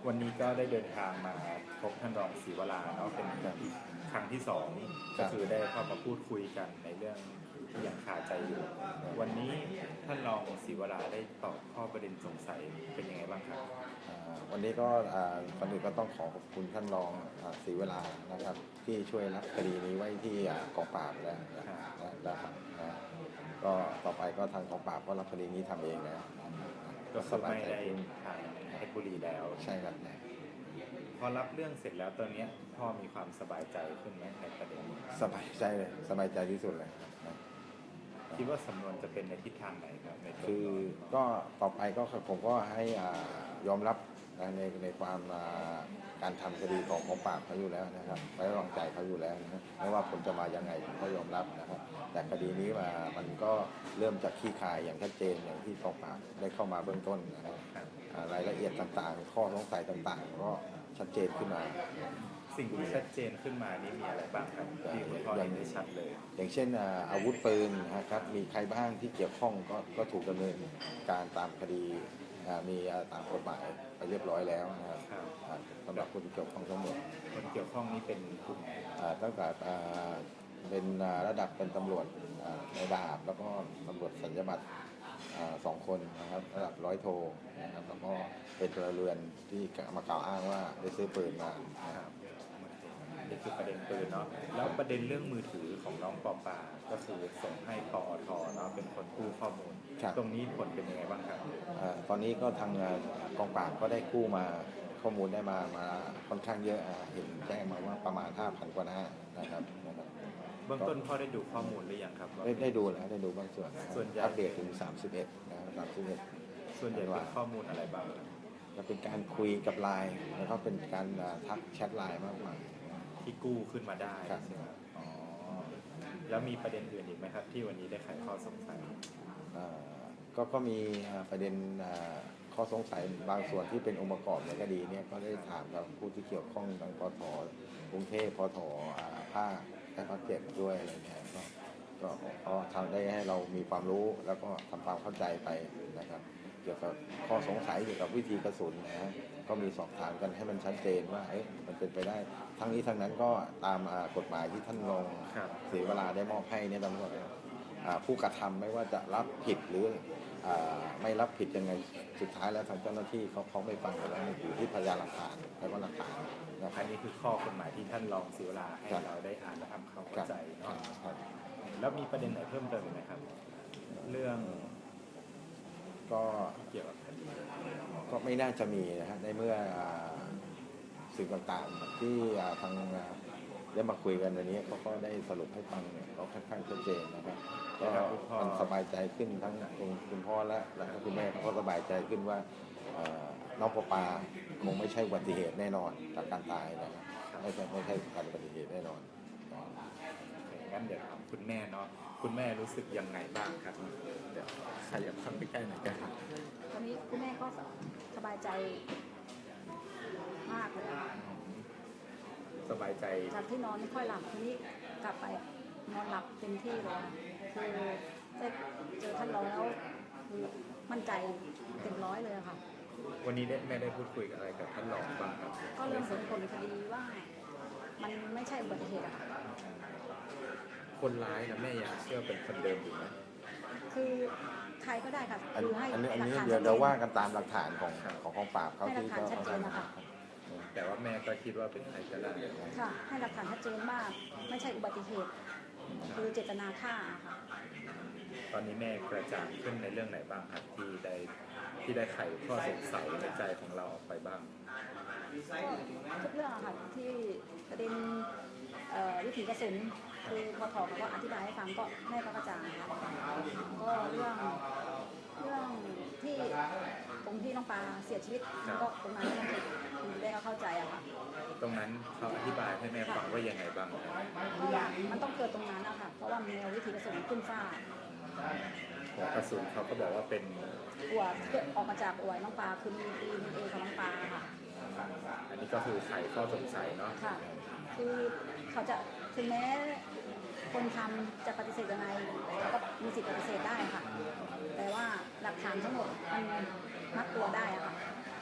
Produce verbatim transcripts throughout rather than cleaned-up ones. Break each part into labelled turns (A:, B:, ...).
A: วันนี้ก็ได้เดินทางมาพบท่านรองศรีวราเนาะเป็นอีกครั้งที่สองก็คือได้เข้ามาพูดคุยกันในเรื่องที่ยังคาใจอยู่วันนี้ท่านรองศรีวราได้ตอบข้อประเด็นสงสัยเป็นยังไงบ้างครับ
B: วันนี้ก็ก่อนอื่นก็ต้องขอขอบคุณท่านรองศรีวรานะครับที่ช่วยรับคดีนี้ไว้ที่กองปราบแล้วนะครับก็ต่อไปก็ทางกองปราบก็รับคดีนี้ทำเองแล้ว
A: ก็สบายใจทางเพชรบุรีแล้ว
B: ใช่ครับ
A: พอรับเรื่องเสร็จแล้วตอนนี้พ่อมีความสบายใจขึ้นไหมในประเด็นนี้
B: สบายใจเลยสบายใจที่สุดเลย
A: คิดว่าสำนวนจะเป็นในทิศทางไหนครับใน
B: คือก็ต่อไปก็ผมก็ให้ยอมรับในในความการทำคดีของกองปราบเขาอยู่แล้วนะครับไว้วางใจเขาอยู่แล้วนะไม่ว่าผลจะมายังไงผมก็ยอมรับนะครับแต่คดีนี้มามันก็เริ่มจากขี้คายอย่างชัดเจนอย่างที่กองปราบได้เข้ามาเบื้องต้นนะครับรายละเอียดต่างๆข้อสงสัยต่างๆก็ชัดเจนขึ้นมา
A: สิ่งที่ชัดเจนขึ้นมานี้มีอะไรบ้างครับที่คุณพ่อเห็นได้ชัดเลย
B: อย่างเช่นอาวุธปืนนะครับมีใครบ้างที่เกี่ยวข้องก็ก็ถูกดำเนินการตามคดีมีตามกฎหมายไปเรียบร้อยแล้วนะครับสำหรับคนเกี่ยวข้องทั้งหมด
A: คนเกี่ยวข้องนี้เป็นกลุ่ม
B: ตั้งแต่เป็นระดับเป็นตำรวจในดาบแล้วก็ตำรวจสัญญาบัตรสองคนนะครับระดับร้อยโทนะครับแล้วก็เป็นพลเรือนที่มากล่าวอ้างว่าได้ซื้อปืนมา
A: นี่คือประเด็นปืนเนาะแล้วประเด็นเรื่องมือถือของน้องปอปาก็คือส่งให้ปอทเนาะเป็นคนกู้ข้อมูลตรงนี้ผลเป็นยังไงบ้างครับ
B: ตอนนี้ก็ทางกองปราบก็ได้กู้มาข้อมูลได้มามาค่อนข้างเยอะเห็นแจ้งมาว่าประมาณ ห้าพัน กว่าหน้านะครับ
A: เบื้องต้นพ่อได้ดูข้อมูลหรือยังครับ
B: ได้ได้ดูแล้วได้ดูบางส่วน
A: ส่วนใหญ่
B: อัปเดตถึงสามสิบเอ็ดนะครับสามสิบเอ็ด
A: ส่วนใหญ่เป็นข้อมูลอะไรบ้าง
B: จะเป็นการคุยกับไลน์แล้วก็เป็นการทักแชทไลน์มากกว่า
A: ที่กู้ขึ้นมาได้ใช่ไหมอ๋อแล้วมีประเด็นอื่นอีกไหมครับที่วันนี้ได้ไขข้อสงสัย
B: ก็ก็มีประเด็นข้อสงสัยบางส่วนที่เป็นองค์ประกอบในคดีนี้ก็ได้ถามกับผู้ที่เกี่ยวข้องทางปทกรุงเทพปทภาคและภาคเจ็ดด้วยอะไรเงี้ยก็ก็ก็ทำได้ให้เรามีความรู้แล้วก็ทำความเข้าใจไปนะครับเกี่ยวกับข้อสงสัยเกี่ยวกับวิธีกระสุนนะก็มีสอบถามกันให้มันชัดเจนว่าเอ๊ะมันเป็นไปได้ทั้งนี้ทั้งนั้นก็ตามกฎหมายที่ท่านรองศรีวราได้มอบให้เนี่ยตำรวจผู้กระทำไม่ว่าจะรับผิดหรือไม่รับผิดยังไงสุดท้ายแล้วทางเจ้าหน้าที่เขาเขาไม่ฟังกันแล้วอยู่ที่พยานหลักฐานและก็หลักฐาน
A: อันนี้คือข้อกฎหมายที่ท่านรองศรีวราให้เราได้อ่านและทำความเข้าใจเนาะแล้วมีประเด็นไหนเพิ่มเติมไหมครับเรื่อง
B: ก็
A: เกี่ยวกับคดี
B: ก็ไม่น่าจะมีนะฮะในเมื่อสิ่งต่างๆที่ทางได้มาคุยกันวันนี้เขาก็ได้สรุปให้ฟังเนี่ยเขาค่อนข้างชัดเจนนะครับก็มันสบายใจขึ้นทั้งคุณพ่อและและคุณแม่เขาก็สบายใจขึ้นว่าน้องปอปาคงไม่ใช่อุบัติเหตุแน่นอนจากการตายนะครับไม่ใช่ไม่ใช่การอุบัติเหตุแน่นอน
A: งั้นเดี๋ยวถามคุณแม่เนาะคุณแม่รู้สึกยังไงบ้างครับเดี๋ยวใครอยากเข้าไปใกล้หน่อยกัน
C: ตอนนี้คุณแม่ก็สบายใจมากเลย
A: สบายใจ
C: จากที่นอนไม่ค่อยหลับทีนี้กลับไปนอนหลับเต็มที่เลยคือได้เจอท่านรองแล้วคือมั่นใจเต็มร้อยเลยค่ะ
A: วันนี้ได้แม่ได้พูดคุยอะไรกับท่านรองบ้างครับ
C: ก็เรื่องผลผลคดีว่ามันไม่ใช่อุบัติเหตุอะค่ะ
A: คนร้ายนะแม่ยังเชื่อเป็นคนเดิมอยู่ไหม
C: คือใครก็ได้ค่ะ
B: คือให้อันนี้เดี๋ยวเราว่ากันตามหลักฐานของของกองปราบเขาที่
C: ก็ชัดเจนนะคะ
A: แต่ว่าแม่ก็คิดว่าเป็นใครก็ได้
C: ค่ะให้หลักฐานชัดเจนว่าไม่ใช่อุบัติเหตุคือเจตนาฆ่าค่ะ
A: ตอนนี้แม่กระจ่างขึ้นในเรื่องไหนบ้างครับที่ได้ที่ได้ไขข้อสงสัยในใจของเราออกไปบ้าง
C: ทุกเรื่องค่ะที่ประเด็นวิถีกระสุนคือพอถอเขาก็อธิบายให้ฟังก็แม่ก็กระจ่างค่ะก็เรื่องเรื่องที่ตรงที่น้องปลาเสียชีวิตก็ตรงนั้นคุณแม่ก็เข้าใจอะค่ะ
A: ตรงนั้นเขาอธิบายให้แม่ฟังว่ายังไงบ้าง
C: เพราะว่ามันต้องเกิดตรงนั้นอะค่ะเพราะว่ามีวิถีกระสุนขึ้นฟ้า
A: หัวกระสุนเขาก็บอกว่าเป็น
C: หัวเกิดออกมาจากอวยน้องปลาคือมีดีเอของน้องปลาค่ะ
A: อันนี้ก็คือไขข้อสงสัยเนาะ
C: ค่ะคือเขาจะถึงแม้คนทำจะปฏิเสธยังไงก็มีสิทธิปฏิเสธได้ค่ะแต่ว่าหลักฐานทั้งหมดมันมัดตัวได้อะค่ะ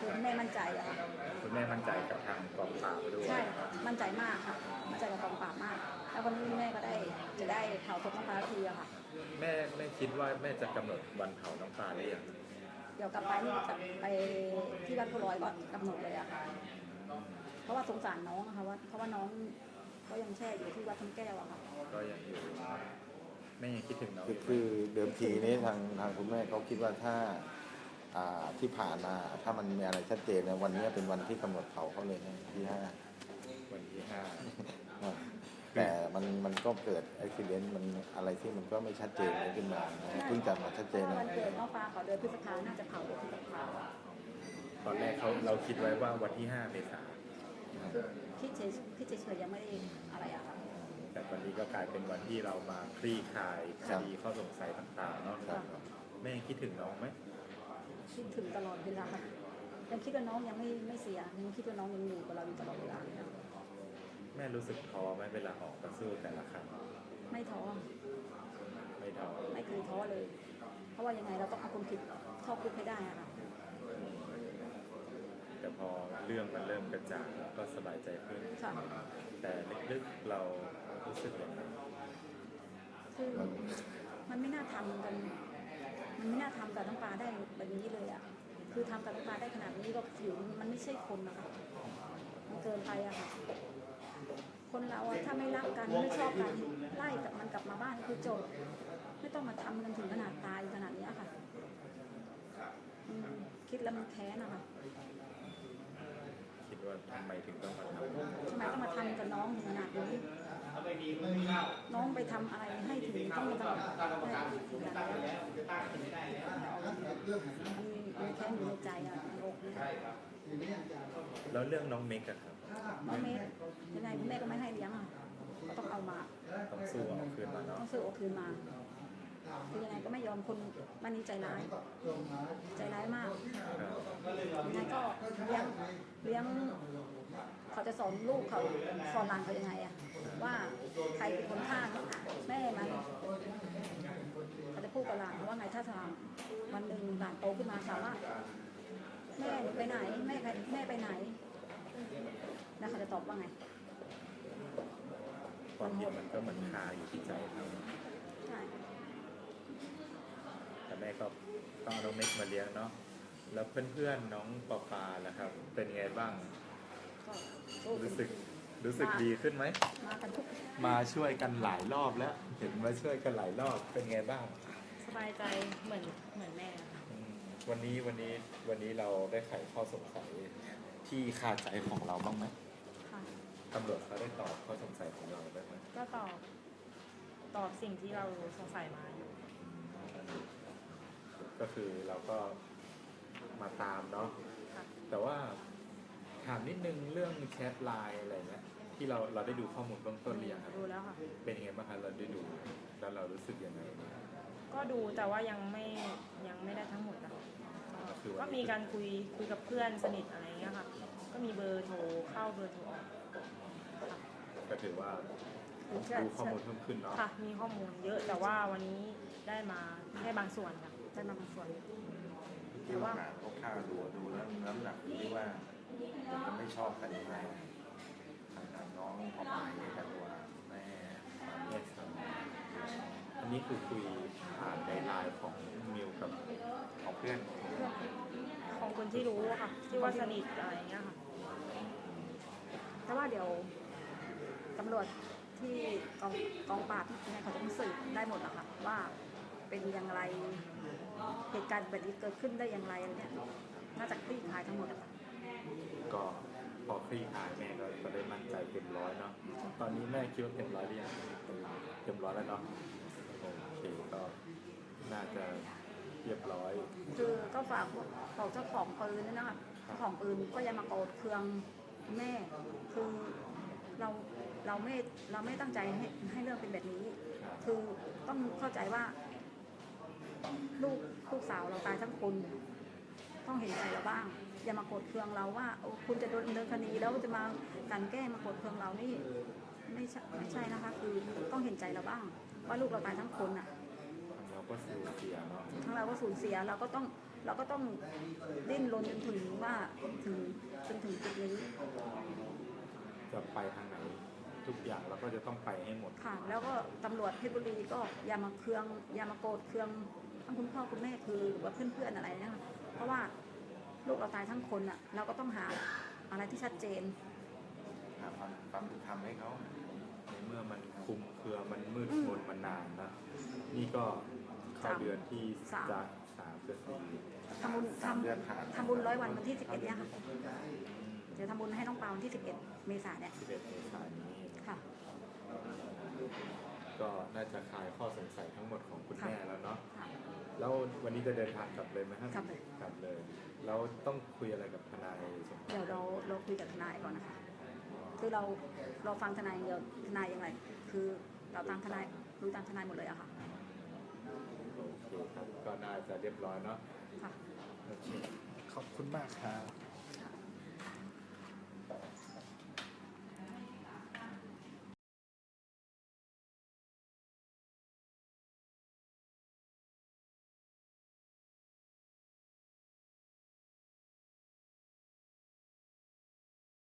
C: คือแม่มั่นใจอะค่ะ
A: คุณแม่มั่นใจกับทางกองปราบด้วย
C: ใช่มั่นใจมากค่ะมั่นใจกับกองปราบมาก แล้ววันนี้แม่ก็ได้จะได้เผาศพน้องปลาทีอะค่ะ
A: แม่แม่คิดว่าแม่จะกำหนดวันเผาน้องปลาหรือยัง
C: เดี๋ยวกลับไปนี่จะไปที่วัดโพลอยก่อนกำหนดเลยอะค่ะเพราะว่าสงสารน้องอะค่ะว่าเพราะว่าน้องก็ยังแช่อยู่ที่วัดทำแก้วอะค่ะ
A: ก็ยังอยู่แม่ยังคิดถึงน้อง
B: คือ
A: อยู่ไหม
B: คือเดิมทีนี้ทางทางคุณแม่เขาคิดว่าถ้าอ่าที่ผ่านมาถ้ามันมีอะไรชัดเจนนะวันนี้เป็นวันที่กำหนดเผาเขาเลยนะที่ห้า
A: วันที่ห้า
B: แต่มันมันก็เกิดอุบิเหตุมันอะไรที่มันก็ไม่ชัดเจนขึ้นมานะเพิ่งจะมาชัดเจน
C: ถ้า
B: นะ
C: วันเกิดน้องปลาขอเดือนพฤษภาน่าจะเผาเดือนพฤษภา
A: ตอนแรกเขาเราคิดไว้ว่าวันที่ห้าเมษายน
C: คือคิดเฉยคิดเฉยๆยังไม่ได้อะไรอะค่ะ
A: แต่วันนี้ก็กลายเป็นวันที่เรามาคลี่คลายคดีข้อสงสัยต่างๆเนาะ
B: ครับ
A: แม่ยังคิดถึงน้องไหม
C: คิดถึงตลอดเวลายังคิดว่าน้องยังไม่ไม่เสียยังคิดว่าน้องยังอยู่กับเราอยู่ตลอดเวลา
A: แม่รู้สึกท้อไหมเวลาออกมาสู้แต่ละครั้ง
C: ไม่ท้อ
A: ไม่ท้อ
C: ไม่เคยท้อเลย เพราะว่ายังไงเราต้องเอาคนผิดเข้าคุกให้ได้อะค่ะ
A: แต่พอเรื่องมันเริ่มกระจ่างก็สบายใจขึ้น
C: ค่ะ
A: แต่ลึกๆเรารู้สึกอย่างไร
C: คือมันไม่น่าทำกัน มันไม่น่าทำกับน้องปลาได้แบบนี้เลยอะคือทำกับน้องปลาได้ขนาดนี้ก็ถือมันไม่ใช่คนนะคะมันเกินไปอะค่ะ คนเราอะถ้าไม่รักกันไม่ชอบกันไล่กับมันกลับมาบ้านคือจบไม่ต้องมาทำกันถึงขนาดตายขนาดนี้ค่ะอืมคิดแล้วมันแค้นอะค่ะ
A: คิดว่าทำไมถึงต้องมาทำ
C: ทำไมต้องมาทำกับน้องถึงขนาดนี้น้องไปทำอะไรให้ถึงต้องมาทำได้ถึงขนาดนี้มันมันแค้นอยู่ในใจอะในอกนะ
A: แล้วเรื่องน้องเมกอะครับ
C: น้องเมย์ยังไงคุณแม่ก็ไม่ให้เลี้ยงอะก็ต้องเอามา
A: ต้องสู้เอาคืนมาเนาะ
C: ต้องซื้อโอาคืนมาคือยังไงก็ไม่ยอมคนบ้านนี้ใจร้าย ใจร้ายมาก
A: ครับ
C: ยังไงก็เลี้ยงเลี้ยงเขาจะสอนลูกเขาสอนหลานเขายังไงอะว่าใครเป็นคนฆ่าแม่มันเขาจะพูดกับหลานว่าไงถ้าถามวันหนึ่งหลานโตขึ้นมาถามว่าแม่หนูไปไหนแม่แม่ไปไหนแล้วเขาจะตอบว่าไง
A: ความผิดมันก็เหมือนคาอยู่ที่ใจเขา
C: ใช่
A: แต่แม่ก็ต้องเอาน้องเมกมาเลี้ยงเนาะแล้วเพื่อนๆน้องปอปาล่ะครับ เป็นไงบ้าง
C: ก็สู้
A: รู้สึกรู้สึกดีขึ้นไหม
C: มากันทุก
A: มาช่วยกันหลายรอบแล้ว เห็นมาช่วยกันหลายรอบเป็นไงบ้าง
D: สบายใจเหมือนเหมือนแม่ค่ะ
A: อืมวันนี้วันนี้วันนี้เราได้ไขข้อสงสัยที่คาใจของเราบ้างไหม
D: ค่ะ
A: ตำรวจเขาได้ตอบข้อสงสัยของเราบ้างไหม
D: ก็ตอบตอบสิ่งที่เราสงสัยมาอยู่
A: ก็คือเราก็มาตามเนาะ
D: ค่ะ
A: แต่ว่าถามนิดนึงเรื่องแชทไลน์อะไรเงี้ยที่เราเราได้ดูข้อมูลเบื้องต้นหรือยังครับ
D: ดูแล้วค่ะ
A: เป็นยังไงบ้างครับเราได้ดูแล้วเรารู้สึกยังไง
D: ก็ดูแต่ว่ายังไม่ยังไม่ได้ทั้งหมดนะ
A: ก็คือ
D: ก็
A: ว่า
D: มีการคุยคุยกับเพื่อนสนิทอะไรเงี้ยค่ะ ก็มีเบอร์โทรเข้าเบอร์โทรออกค่ะ
A: ก็ถือว่าดูข้อมูลเพิ่มขึ้นเนาะ
D: ค่ะ มีข้อมูลเยอะแต่ว่าวันนี้ได้มาแค่บางส่วนค่ะได้มาบางส่วน
B: ที่ว่าหาเขาฆ่าดูดูแล้วน้ำหนักอยู่ที่ว่ามันจะไม่ชอบกันยังไงทางทางน้องพอปายเนี่ยกับตัวแม่
A: แยกส่วนอันนี้คือคุยผ่านในไลน์ของมิวกับ
B: ของเพื่อน
D: ของคนที่รู้อะค่ะ ที่ว่าสนิทอะไรเงี้ยค่ะ
C: แต่ว่าเดี๋ยวตำรวจที่กองกองปราบยังไงเขาจะต้องสืบได้หมดอะค่ะว่าเป็นอย่างไรเหตุการณ์แบบนี้เกิดขึ้นได้อย่างไรอะไรเนี่ยน่าจะคลี่คลายทั้งหมดอะค่ะ
A: ก็พอคลี่คลายแม่ก็ก็ได้มั่นใจเต็มร้อยเนาะตอนนี้แม่คิดว่าเต็มร้อยหรือยังเต็มร้อยแล้วเนาะโอเคก็น่าจะเรียบร้อย
C: คือก็ฝากบอกเจ้าของปืนด้วยนะคะเจ้าของปืนก็อยังมาโกรธเคืองแม่คือเราเราไม่เราไม่ตั้งใจให้ให้เรื่องเป็นแบบนี้ คือต้องเข้าใจว่า ลูกลูกสาวเราตายทั้งคนต้องเห็นใจเราบ้าง อย่ามาโกรธเคืองเราว่าโอ้คุณจะโดนดำเนินคดีแล้วจะมากลันแกล้งมาโกรธเคืองเรานี่ไม่ใช่ไม่ใช่นะคะ คือต้องเห็นใจเราบ้าง ว่าลูกเราตายทั้งคนอ่ะ
A: เราก็สูญเสียเนาะ
C: ทั้งเราก็สูญเสียเราก็ต้องเราก็ต้องดิ้นรนจนถึงว่าถึงจนถึงจุดนี้
A: จะไปทางไหนทุกอย่างเราก็จะต้องไปให้หมด
C: ค่ะ แล้วก็ตำรวจเพชรบุรีก็อย่ามาเคืองอย่ามาโกรธเคืองทั้งคุณพ่อคุณแม่คือหรือว่าเพื่อนๆอะไรเนี่ยค่ะเพราะว่าลูกเราตายทั้งคนอ่ะเราก็ต้องหาอะไรที่ชัดเจน
B: หาความความเป็นธรรมให้เขา
A: ในเมื่อมันคลุมเครือมันมืดมนมานานนะนี่ก็เข้าเดือนที่
C: สาม
A: จะสามจะสี่
C: ทำบุญ
B: สามเดือนผ่าน
C: ทำทำบุญร้อยวันวันที่สิบเอ็ดเนี่ยค่ะจะทำบุญให้น้องปาวันที่สิบเอ็ดเมษายนเนี่ย
A: สิบเอ็ดเมษายนนี้
C: ค่ะ
A: ก็น่าจะคลายข้อสงสัยทั้งหมดของคุณ
C: ค่ะ
A: แม่แล้วเนาะ
C: ค่ะ
A: แล้ววันนี้จะเดินทางกลับเลยไหมครับ
C: กลับเลย
A: กลับเลยแล้วต้องคุยอะไรกับทนายสมภาร
C: เดี๋ยวเราเราคุยกับทนายก่อนนะคะ คือเราเราฟังทนายอย่างเดียวทนายยังไง คือเราตามทนายรู้ตามทนายหมดเลยอะค่ะ
A: โอเคครับก็น่าจะเรียบร้อยเนาะ
C: ค่ะ
A: โอเคขอบคุณมากครับ